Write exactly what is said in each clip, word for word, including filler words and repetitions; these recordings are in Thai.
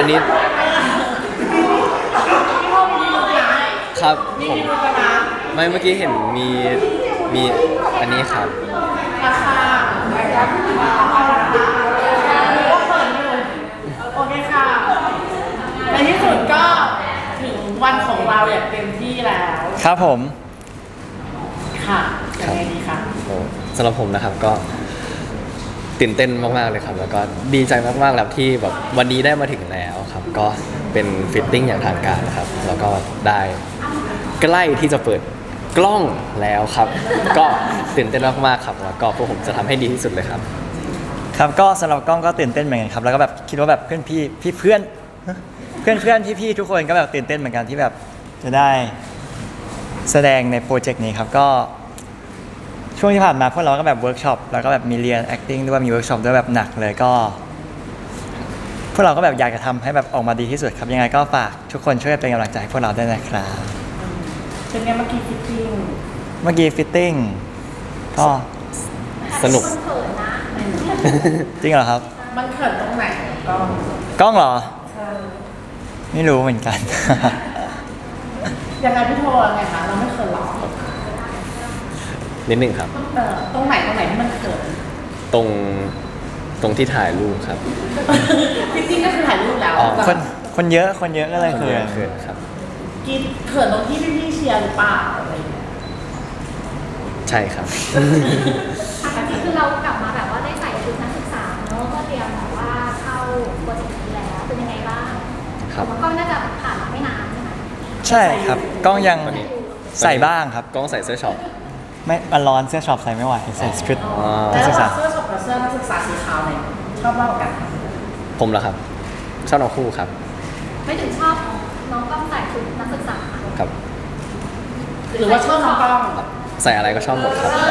อันนี้ครับผมไม่เมื่อกี้เห็นมีมีอันนี้ครับราคาโอเคค่ะในที่สุดก็ถึงวันของเราอย่างเต็มที่แล้วครับผมค่ะยังไงดีคะโอ้สำหรับผมนะครับก็ตื่นเต้นมากๆเลยครับแล้วก็ดีใจมากๆแล้วที่แบบวันนี้ได้มาถึงแล้วครับก็เป็นฟิตติ้งอย่างทางการนะครับแล้วก็ได้ใกล้ที่จะเปิดกล้องแล้วครับก็ตื่นเต้นมากๆครับแล้วก็พวกผมจะทำให้ดีที่สุดเลยครับครับก็สำหรับกล้องก็ตื่นเต้นเหมือนกันครับแล้วก็แบบคิดว่าแบบเพื่อนพี่พี่เพื่อนเพื่อนเพื่อนพี่พี่ทุกคนก็แบบตื่นเต้นเหมือนกันที่แบบจะได้แสดงในโปรเจกต์นี้ครับก็ช่วงที่ผ่านมาพวกเราก็แบบเวิร์กช็อปแล้วก็แบบมีเรียน acting ด้วยมีเวิร์กช็อปด้วยแบบหนักเลยก็พวกเราก็แบบอยากจะทำให้แบบออกมาดีที่สุดครับยังไงก็ฝากทุกคนช่วยเป็นกำลังใจให้พวกเราด้วยนะครับเป็นไงเมื่อกี้ฟิตติ้งเมื่อกี้ฟิตติ้งก็สนุกจริงเหรอครับมันเขินตรงไหนกล้องกล้องเหรอไม่รู้เหมือนกันยังไงพี่โทรไงคะเราไม่เขินหรอนิดหนึ่งครับเออตรงไหนตรงไหนที่มันเขินตรงตรงที่ถ่ายรูปครับจริงๆก็คือถ่ายรูปแล้วคนคนเยอะคนเยอะก็เลยเขินเขินครับกินเขินตรงที่พี่ๆเชียร์หรือเปล่าอะไรอย่างเงี้ยใช่ครับอันนี้คือเรากลับมาแบบว่าได้ใส่ชุดนักศึกษาเนอะก็เตรียมแบบว่าเข้าโปรเจกต์นี้แล้วเป็นยังไงบ้างครับก็น่าจะผ่านมาไม่นานใช่ไหมใช่ครับกล้องยังใส่บ้างครับกล้องใส่เสื้อช็อปไม่มันร้อนเสื้อช็อปใส่ไม่ไหวใส่ชุดนักศึกษาเสื้อช็อปกับเสื้อนักศึกษาสีขาวเนี่ยชอบมากกว่ากันผมเหรอครับชอบน้องคู่ครับไม่ถึงชอบน้องกล้องใส่ชุดนักศึกษาครับหรือว่าชอบน้องกล้องใส่อะไรก็ชอบหมดครับ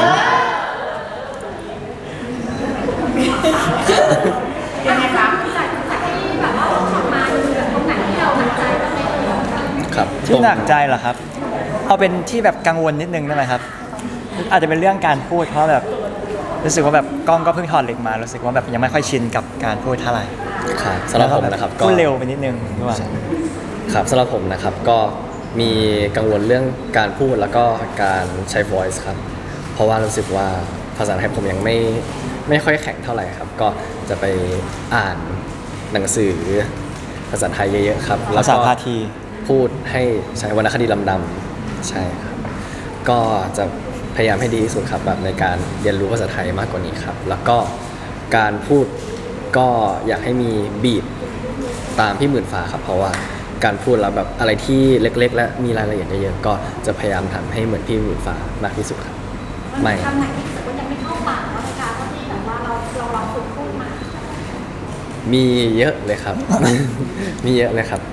ยังไงครับจากจากที่แบบว่าออกมาดูแบบตรงไหนที่เราหนักใจบ้างไหมครับที่หนักใจเหรอครับเอาเป็นที่แบบกังวลนิดนึงได้ไหมครับอาจจะเป็นเรื่องการพูดเพราะแบบรู้สึกว่าแบบกล้องก็เพิ่งถอดเหล็กมารู้สึกว่าแบบยังไม่ค่อยชินกับการพูดเท่าไหร่ครับสำหรับผมนะครับก็พูดเร็วไปนิดนึงด้วยครับสำหรับผมนะครับก็มีกังวลเรื่องการพูดแล้วก็การใช้ voice ครับเพราะว่ารู้สึกว่าภาษาไทยผมยังไม่ไม่ค่อยแข็งเท่าไหร่ครับก็จะไปอ่านหนังสือภาษาไทยเยอะๆครับภาษาพาทีพูดให้ใช้วรรณคดีลำดำใช่ครับก็จะพยายามให้ดีที่สุดครับแบบในการเรียนรู้ภาษาไทยมากกว่านี้ครับแล้วก็การพูดก็อยากให้มีบีทตามพี่หมื่นฟ้าครับเพราะว่าการพูดแล้วแบบอะไรที่เล็กๆและมีรายละเอียดเยอะๆก็จะพยายามทำให้เหมือนพี่หมื่นฟ้ามากที่สุดครับไม่คำไหนที่รู้สึกว่ายังไม่เข้าปากเราในการที่แบบว่าเราเราลองฝึกพูดมามีเยอะเลยครับ มีเยอะเลยครับ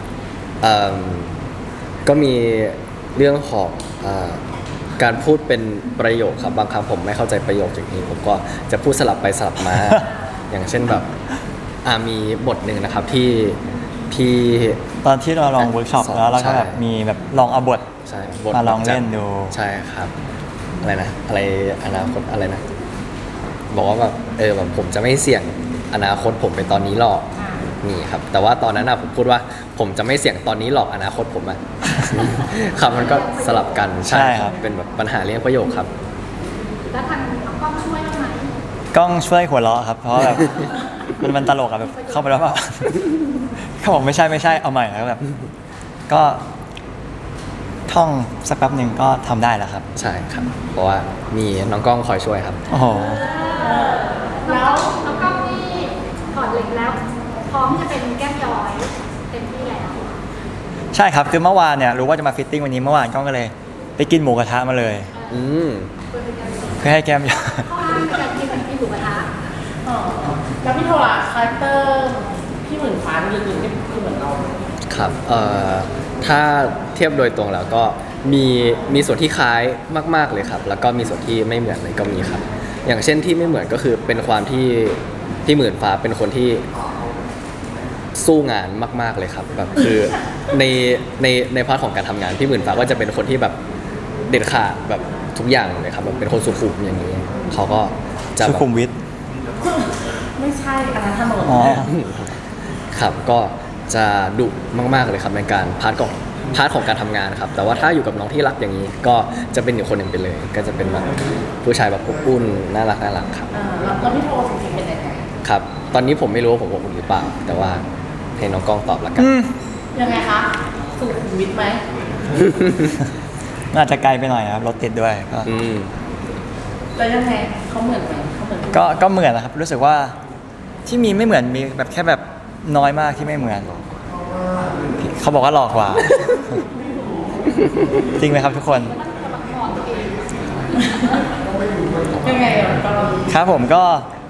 ก็มีเรื่องของการพูดเป็นประโยคครับบางครั้งผมไม่เข้าใจประโยคอย่างนี้ผมก็จะพูดสลับไปสลับมา อย่างเช่นแบบมีบทหนึ่งนะครับที่ที่ตอนที่เราลองเวิร์กช็อปแล้วเราก็แบบมีแบบลองเอาบทมาลองเล่นดูใช่ครับอะไรนะอะไรอนาคตอะไรนะบอกว่าแบบเออแบบผมจะไม่เสี่ยงอนาคตผมเป็นตอนนี้หรอกนี่ครับแต่ว่าตอนนั้นนะผมพูดว่าผมจะไม่เสี่ยงตอนนี้หรอกอนาคตผมอะครับมันก็สลับกันใช่ครับเป็นแบบปัญหาเรื่องประโยคครับแล้วทางกล้องช่วยไหมกล้องช่วยหัวเราะครับเพราะแบบมันมันตลกอะแบบเข้าไปแล้วแบบเขาบอกไม่ใช่ไม่ใช่เอาใหม่แล้วแบบก็ท่องสักแป๊บหนึ่งก็ทำได้แล้วครับใช่ครับเพราะว่ามีน้องกล้องคอยช่วยครับโอ้โหแล้วน้องกล้องนี่ถอดเหล็กแล้วพร้อมจะเป็นแก้มย้อยเต็มที่แล้วใช่ครับคือเมื่อวานเนี่ยรู้ว่าจะมาฟิตติ้งวันนี้เมื่อวานกล้องก็เลยไปกินหมูกระทะมาเลยอืมเพื่อให้แก้มย้อยเพราะว่าการกินกินหมูกระทะแล้วพี่โทรล่ะคาแรคเตอร์พี่หมื่นฟ้าลึกๆนี่คือเหมือนเราครับเอ่อถ้าเทียบโดยตรงแล้วก็มีมีส่วนที่คล้ายมากๆเลยครับแล้วก็มีส่วนที่ไม่เหมือนเลยก็มีครับอย่างเช่นที่ไม่เหมือนก็คือเป็นความที่พี่หมื่นฟ้าเป็นคนที่สู้งานมากๆเลยครับแบบคือในในในพาร์ทของการทำงานพี่หมื่นฟ้าก็จะเป็นคนที่แบบเด็ดขาดแบบทุกอย่างเลยครับแบบเป็นคนสุขุมอย่างนี้เขาก็จะสุขุมวิทไม่ใช่อันนั้นถนนครับก็จะดุมากๆเลยครับในการพาร์ทของพาร์ทของการทำงานครับแต่ว่าถ้าอยู่กับน้องที่รักอย่างนี้ ก็จะเป็นอีกคนหนึ่งไปเลย ก็จะเป็นแบบผู้ชายแบบอบอุ่นน่ารักน่ารักครับเออแล้วแล้วพี่โทจริงๆเป็นยังไงครับ ตอนนี้ผมไม่รู้ว่าผมอบอุ่นหรือเปล่า แต่ว่าให้น้องกล้องตอบละกันอืมยังไงคะสุขุมวิทไหมอาจจะไกลไปหน่อยนะครับรถติดด้วยก็อืมแล้วยังไงเขาเหมือนไหมเขาเหมือนก็ก็เหมือนนะครับ รู้สึกว่าที่มีไม่เหมือนมีแบบแค่แบบน้อยมากที่ไม่เหมือน เขาบอกว่าหลอกกว่า จริงไหมครับทุกคนยังไงอ่ะก็ครับผมก็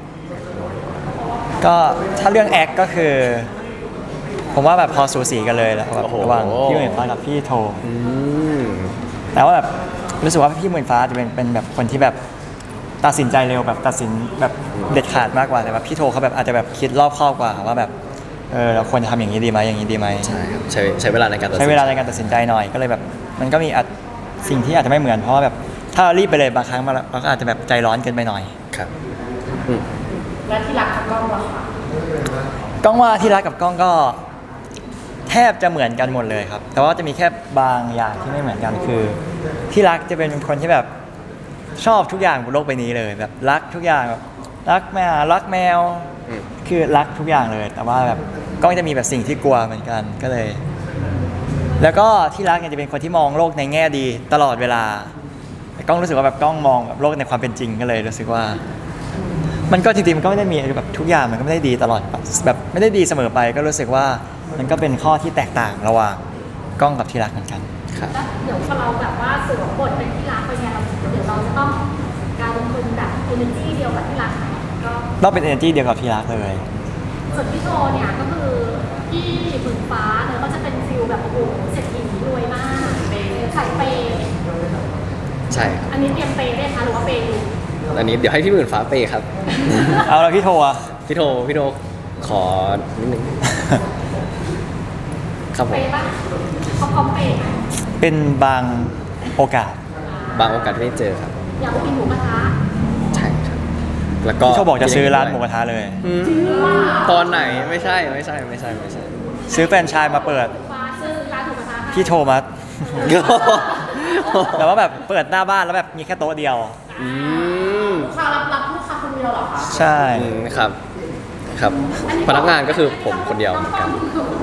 ก็ถ้าเรื่องแอคก็คือ ผมว่าแบบพอสูสีกันเลยแล้วแบบโอ้โหระหว่างพี่หมื่นฟ้ากับพี่โทอืมแต่ว่าแบบรู้สึกว่าพี่หมื่นฟ้าจะเป็นเป็นแบบคนที่แบบตัดสินใจเร็วแบบตัดสินแบบเด็ดขาดมากกว่าแต่ว่าพี่โทเขาแบบอาจจะแบบคิดรอบคอบกว่าว่าแบบเออเราควรจะทำอย่างนี้ดีไหมอย่างนี้ดีไหมใช่ครับใช้ใช้เวลาในการตัดสินใช้เวลาในการตัดสินใจหน่อยก็เลยแบบ มันก็มีอาจสิ่งที่อาจจะไม่เหมือนเพราะว่าแบบถ้าเรารีบไปเลยบางครั้งเราก็อาจจะแบบใจร้อนเกินไปหน่อยครับอืมแล้วที่รักกับกล้องล่ะคะกล้องว่าที่รักกับกล้องก็แทบจะเหมือนกันหมดเลยครับ แต่ว่าจะมีแค่บางอย่างที่ไม่เหมือนกันคือ ที่รักจะเป็นคนที่แบบชอบทุกอย่างบนโลกใบนี้เลยแบบรักทุกอย่างแบบรักแมวรักแมวอืมคือรักทุกอย่างเลย แต่ว่าแบบกล้องจะมีแบบสิ่งที่กลัวเหมือนกันก็เลย แล้วก็ที่รักเนี่ยจะเป็นคนที่มองโลกในแง่ดีตลอดเวลาแต่กล้องรู้สึกว่าแบบกล้องมองแบบโลกในความเป็นจริงก็เลยรู้สึกว่า มันก็จริงๆมันก็ไม่ได้มีแบบทุกอย่างมันก็ไม่ได้ดีตลอดแบบไม่ได้ดีเสมอไป ก็รู้สึกว่ามันก็เป็นข้อที่แตกต่างระหว่างกล้องกับที่รักเหมือนกันครับแล้วเดี๋ยวพอเราแบบว่าสวมบทเป็นที่รักไปเนี่ยเราเดี๋ยวเราจะต้องการลงทุนแบบ energy เดียวกับที่รักไหมก็ต้องเป็น energy เดียวกับที่รักเลยส่วนพี่โทเนี่ยก็คือพี่หมื่นฟ้าเนี่ยก็จะเป็นฟิลแบบโอ้โหเศรษฐีรวยมากเปย์ใส่เปย์ใช่ครับอันนี้เตรียมเปย์ได้คะหรือว่าเปย์อยู่อันนี้เดี๋ยวให้พี่หมื่นฟ้าเปย์ครับเอาแล้วพี่โทอะพี่โทพี่โทขอนิดนึง ครับผเปมย์ปะเขาพร้อมเปย์ไหมเป็นบางโอกาสบางโอกาสที่ได้เจอครับอยากไปกินหมูกระทะใช่ครับ แล้วก็พี่โทบอกจะซื้อร้านหมูกระทะเลยอืมตอนไหนไม่ใช่ไม่ใช่ไม่ใช่ไม่ใช่ซื้อแฟรนไชส์มาเปิดฟ้าซื้อร้านหมูกระทะให้พี่โทมาแต่ว่าแบบเปิดหน้าบ้านแล้วแบบมีแค่โต๊ะเดียวอืมลูกค้ารับรับลูกค้าคนเดียวเหรอคะใช่อืมครับ ครับ พนักงานก็คือผมคนเดียวเหมือนกัน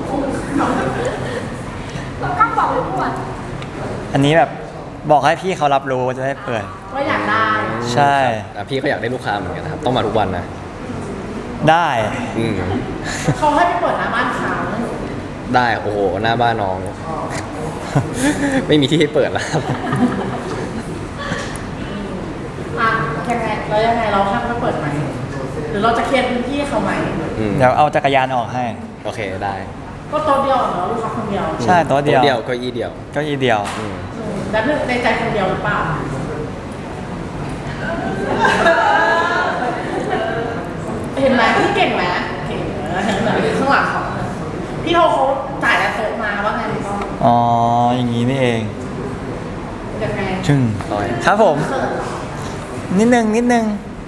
ต้องกล้องบอกเลยพูดอันนี้แบบบอกให้พี่เขารับรู้จะได้เปิดว่าอยากได้ใช่อ่ะพี่ก็อยากได้ลูกค้าเหมือนกันนะครับ ต้องมาทุกวันนะได้อืมเขาให้ไปเปิดหน้าบ้านเขาได้ โอ้โห หน้าบ้านน้อง ไม่มีที่ให้เปิดแล้วครับอ่ะยังไงแล้วยังไงเราห้ามไปเปิดไหมหรือเราจะเคลียร์พื้นที่ให้เขาไหมอืมเดี๋ยวเอาจักรยานออกให้โอเคได้ก็โต๊ะเดียวเหรอลูกค้าคนเดียวใช่โต๊ะเดียวเดียวเก็อี้เดียวเก็อีเดียวอืมอืมแล้วในใจคนเดียวหรือเปล่าเห็นไหมพี่เก่งไหมเก่งนะเห็นไหมข้างหลังเขาพี่โทเขาจ่ายแล้วโต๊ะมาว่าไงพี่ก้องอ๋อ อย่างนี้นี่เองยังไงชึ่งร้อยครับผมเขินเหรอนิดนึงนิดนึง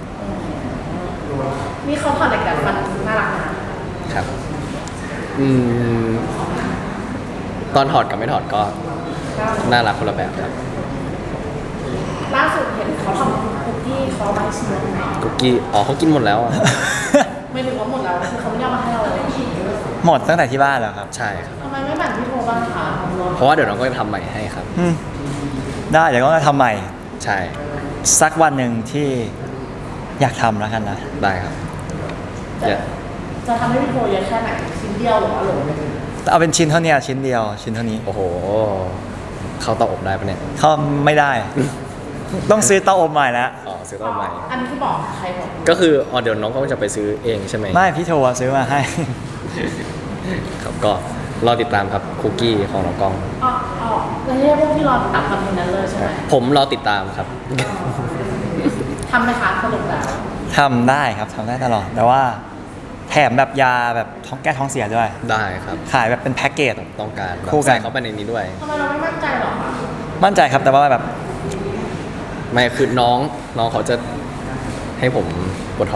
นี่เขาถอดเหล็กดัดฟันน่ารักนะครับอืม ตอนถอดกับไม่ถอดก็น่ารักคนละแบบครับล่าสุดเห็นเขาทำคุกกี้เขาเอามาให้ชิมแล้วไหมคุกกี้ อ๋อเขากินหมดแล้วอ่ะไม่ถึงว่าหมดแล้วคือเขาไม่ได้เอามาให้เราเลยหมดตั้งแต่ที่บ้านแล้วครับใช่ครับทำไมไม่แบ่งพี่โทบ้างคะเพราะว่าเดี๋ยวน้องก็จะทำใหม่ให้ครับอืมได้เดี๋ยวก็ทำใหม่ใช่สักวันหนึ่งที่อยากทำแล้วกันนะได้ครับจะเดี๋ยวจะทำให้พี่โทเยอะแค่ไหนชิ้นเดียวหรือว่าโหลนึงแต่เอาเป็นชิ้นเท่านี้ชิ้นเดียว ชิ้นเท่านี้โอ้โห เข้าเตาอบได้ปะเนี่ยเขาไม่ได้ ต้องซื้อเตาอบใหม่แล้วอ๋อ ซื้อเตาอบใหม่อันนี้คือบอกใครบอกก็คือ อ๋อ เดี๋ยวน้องก็จะไปซื้อเองใช่ไหมไม่พี่โทรซื้อมาให้ครับก็รอติดตามครับคุกกี้ของน้องกล้องอ๋ออ๋อแล้วเรียกพวกที่รอติดตามคอนเทนต์นั้นเลยใช่ไหมผมรอติดตามครับทำไหมคะสรุปแล้วทำได้ครับทำได้ตลอด แต่ว่าแถมแบบยาแบบท้องแก้ท้องเสียด้วยได้ครับขายแบบเป็นแพ็กเกจต้องการแบบคู่กันใส่เข้าไปในนี้ด้วยทำไมเราไม่มั่นใจหรอคะมั่นใจครับแต่ว่าแบบไม่คือน้องน้องเขาจะให้ผมปวดท้อง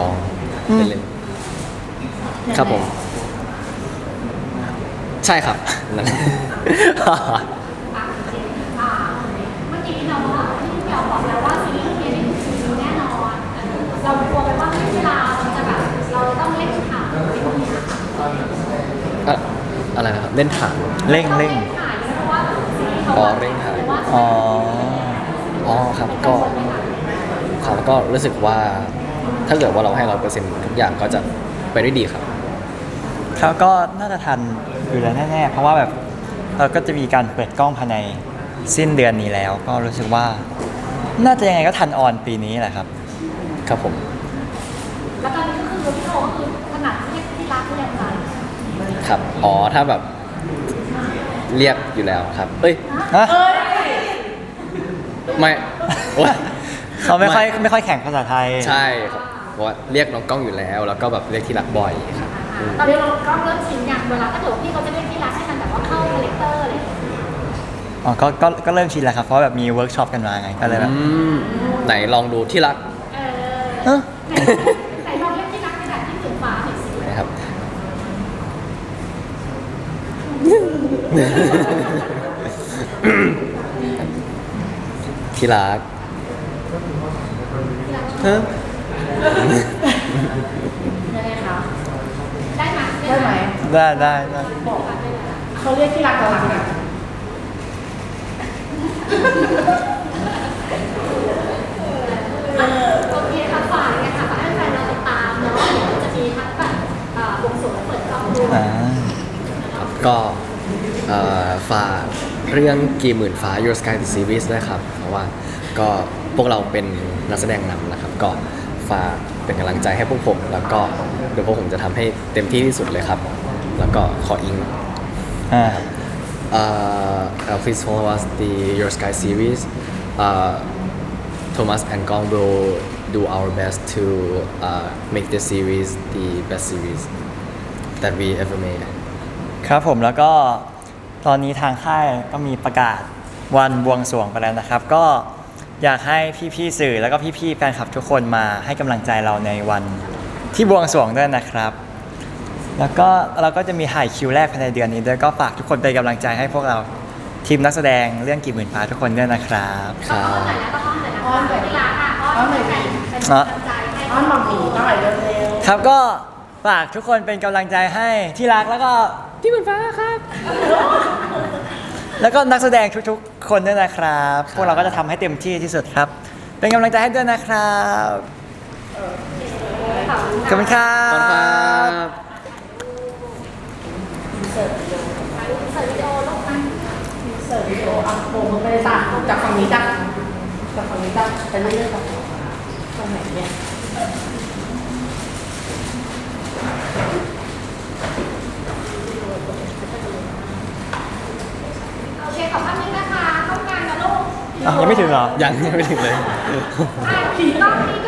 อืมเล่นยังไงๆครับผมยังไงครับผมยังไงอืมคะใช่ครับนั่นอ่ะอ่าเมื่อกี้เนาะที่พี่เปียวบอกแล้วว่าซีรีส์เรื่องนี้ได้ดูซีรีส์แน่นอนเรากลัวไปว่าเวลามันจะแบบเราต้องเล่นข่าวอะไรพวกนี้ค่ะอะอะไรนะครับเล่นถังเร่งเร่งถ่ายเพราะว่าซีรีส์เขาอ๋อเร่งถ่ายว่าอ๋ออ๋อครับก็ครับก็รู้สึกว่าถ้าเกิดว่าเราให้ร้อยเปอร์เซ็นต์ทุกอย่างก็จะไปได้ดีครับครับก็น่าจะทันอยู่แล้วแน่ๆ เพราะว่าแบบเราก็จะมีการเปิดกล้องภายในสิ้นเดือนนี้แล้ว ก็รู้สึกว่า น่าจะยังไงก็ทันออนปีนี้แหละครับครับผมแล้วตอนนี้ก็คือพี่โทก็คือขนาดที่ที่รักที่ยังไงครับอ๋อถ้าแบบเรียกอยู่แล้วครับ เอ้ยฮะเอ้ยไม่โอ๊ยเขาไม่ค่อยไม่ค่อยแข่งภาษาไทยใช่ครับเพราะว่าเรียกน้องกล้องอยู่แล้ว แล้วก็แบบเรียกที่รักบ่อยครับอืมตอนนี้เราก็เริ่มชินอย่างเวลาถ้าเกิดว่าพี่เขาจะเล่นที่รักให้มันแบบว่าเข้าคาแรคเตอร์อะไรอย่างเงี้ยอ๋อก็ก็ก็เริ่มชินแล้วครับ เพราะแบบมีเวิร์กช็อปกันมาไง ก็เลยแบบอืมไหนลองดูที่รักเอเอ้ออไหนลองเล่นที่รักในแบบที่ถึงฟ้าหน่อยสินะครับ ที่รักฮะยังไงคะได้ไหมได้ไหมได้ได้ได้บอกเขาเรียกที่รักเรารักนะโอเคค่ะฝากเลยค่ะฝากให้แฟนเราติดตามเนาะเดี๋ยวจะมีทั้งแบบเอ่อบวงสรวงและเปิดกล้องด้วยอ่าครับก็เอ่อฝากเรื่องกี่หมื่นฟ้า Your Sky the Series ด้วยครับ เพราะว่าก็พวกเราเป็นนักแสดงนำนะครับ ก็ฝากเป็นกำลังใจให้พวกผม แล้วก็เดี๋ยวพวกผมจะทำให้เต็มที่ที่สุดเลยครับ แล้วก็ขออิงอ่า uh, uh, please follow us the Your Sky series. Uh, Thomas and Gong will do our best to uh, make this series the best series that we ever made. ครับผมแล้วก็ตอนนี้ทางค่ายก็มีประกาศวันบวงสรวงไปแล้วนะครับ ก็อยากให้พี่ๆสื่อแล้วก็พี่ๆแฟนคลับทุกคนมาให้กำลังใจเราในวันที่บวงสรวงด้วยนะครับ แล้วก็เราก็จะมีถ่ายคิวแรกภายในเดือนนี้ด้วยก็ฝากทุกคนเป็นกำลังใจให้พวกเราทีมนักแสดงเรื่องกี่หมื่นฟ้าทุกคนด้วยนะครับครัอ้อนหน่บอยนะต้องอ้อนหน่อยนะคะที่รักอ่ะอ้อนเป็นแฟนเป็นกำลังใจให้อ้อนหมอหมีต้องไหลเร็วครับก็ฝากทุกคนเป็นกำลังใจให้ที่รักแล้วก็ที่หมื่นฟ้าครับ แล้วก็นักแสดงทุกๆ คนด้วยนะครับ พวกเราก็จะทำให้เต็มที่ที่สุดครับ เป็นกำลังใจให้ด้วยนะครับขอบคุณครัขอบคุณครับ บๆเสิร์ฟวิดีโอเสิร์ฟวิดีโอลงมาเสิร์ฟวิดีโออ่ะโบกมือไปเลยจ้ะจากฝั่งนี้จ้ะจากฝั่งนี้จ้ะไปเรื่อยๆจ้ะตรงไหนเนี่ยโอเคขอบคุณนะคะเข้างานนะลูกอ่ะยังไม่ถึงเหรอยังยังไม่ถึงเลยอ่ะรอบนี้ก็